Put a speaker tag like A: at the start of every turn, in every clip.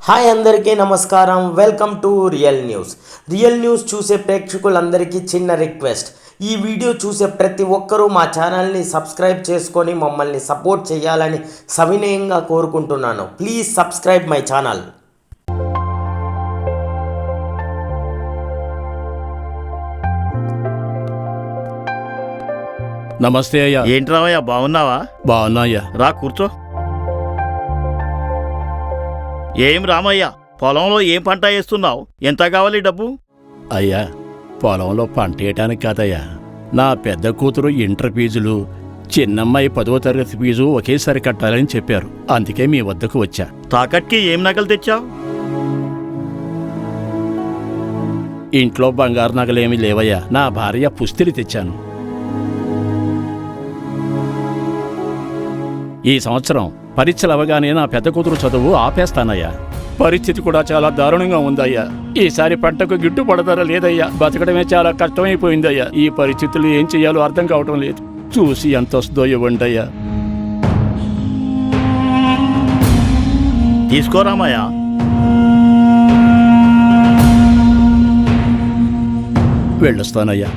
A: Hi అందరికీ నమస్కారం. Welcome to real news చూసే ప్రేక్షకులందరికీ చిన్న రిక్వెస్ట్. ఈ వీడియో చూసే ప్రతి ఒక్కరూ మా ఛానల్ని సబ్స్క్రైబ్ చేసుకొని మమ్మల్ని సపోర్ట్ చేయాలని సవినయంగా కోరుకుంటున్నాను. Please subscribe my channel.
B: నమస్తే అయ్యా.
C: ఏంటి రావయ్యా, బాగున్నావా?
B: బాగున్నా అయ్యా.
C: రా కూర్చో. ఏం రామయ్య, పొలంలో ఏం పంట వేస్తున్నావు? ఎంత కావాలి డబ్బు?
B: అయ్యా, పొలంలో పంట వేయటానికి కాదయ్యా, నా పెద్ద కూతురు ఇంటర్ ఫీజులు, చిన్నమ్మాయి 10వ తరగతి ఫీజు ఒకేసారి కట్టాలని చెప్పారు. అందుకే మీ వద్దకు వచ్చా.
C: తాకట్కి ఏం నగలు తెచ్చావు?
B: ఇంట్లో బంగారు నగలేమీ లేవయ్యా. నా భార్య పుస్తెలు తెచ్చాను. ఈ సంవత్సరం పరీక్షలు అవగానే నా పెద్ద కూతురు చదువు ఆపేస్తానయ్యా. పరిస్థితి కూడా చాలా దారుణంగా ఉందయ్యా. ఈసారి పంటకు గిట్టుబడతారా లేదయ్యా. బతకడమే చాలా కష్టమైపోయిందయ్యా. ఈ పరిస్థితులు ఏం చెయ్యాలో అర్థం కావటం లేదు. చూసి ఎంత వస్తుందో ఇవ్వండి అయ్యా.
C: తీసుకోరామయ్య.
B: వెళ్ళొస్తానయ్యా.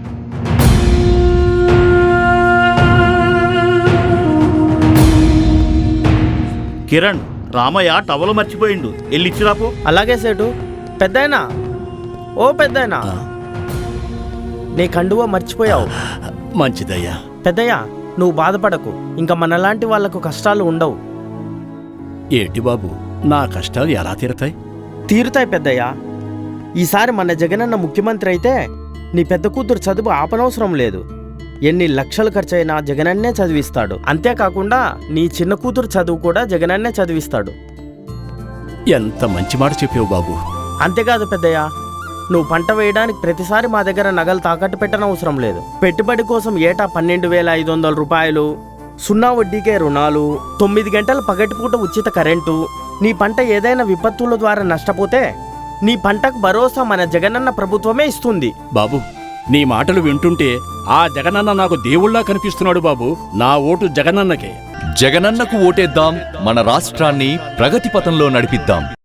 C: కిరణ్, రామయ్య టవలు మర్చిపోయిండు, వెళ్ళిచ్చిరాపో.
A: అలాగే సేటు. పెద్దాయనా, ఓ పెద్దాయనా, నీ కండువా మర్చిపోయావు.
B: మంచిదయ్యా.
A: పెద్దయ్యా, నువ్వు బాధపడకు. ఇంకా మనలాంటి వాళ్లకు కష్టాలు ఉండవు.
B: ఏంటి బాబు, నా కష్టాలు ఎలా తీరతాయి?
A: తీరుతాయి పెద్దయ్యా. ఈసారి మన జగనన్న ముఖ్యమంత్రి అయితే నీ పెద్ద కూతురు చదువు ఆపనవసరం లేదు. ఎన్ని లక్షలు ఖర్చయినా జగనన్నే చదివిస్తాడు. అంతేకాకుండా నీ చిన్న కూతురు చదువు కూడా జగనన్నే చదివిస్తాడు.
B: ఎంత మంచి మాట చెప్పావు బాబు.
A: అంతేకాదు పెద్దయ్య, నువ్వు పంట వేయడానికి ప్రతిసారి మా దగ్గర నగలు తాకట్టు పెట్టనవసరం లేదు. పెట్టుబడి కోసం ఏటా 12,500 రూపాయలు, 0 వడ్డీకే రుణాలు, 9 గంటల పగటిపూట ఉచిత కరెంటు. నీ పంట ఏదైనా విపత్తుల ద్వారా నష్టపోతే నీ పంటకు భరోసా మన జగనన్న ప్రభుత్వమే ఇస్తుంది.
B: బాబు, నీ మాటలు వింటుంటే ఆ జగనన్న నాకు దేవుళ్లా కనిపిస్తున్నాడు బాబు. నా ఓటు జగనన్నకే.
D: జగనన్నకు ఓటేద్దాం, మన రాష్ట్రాన్ని ప్రగతి పథంలో నడిపిద్దాం.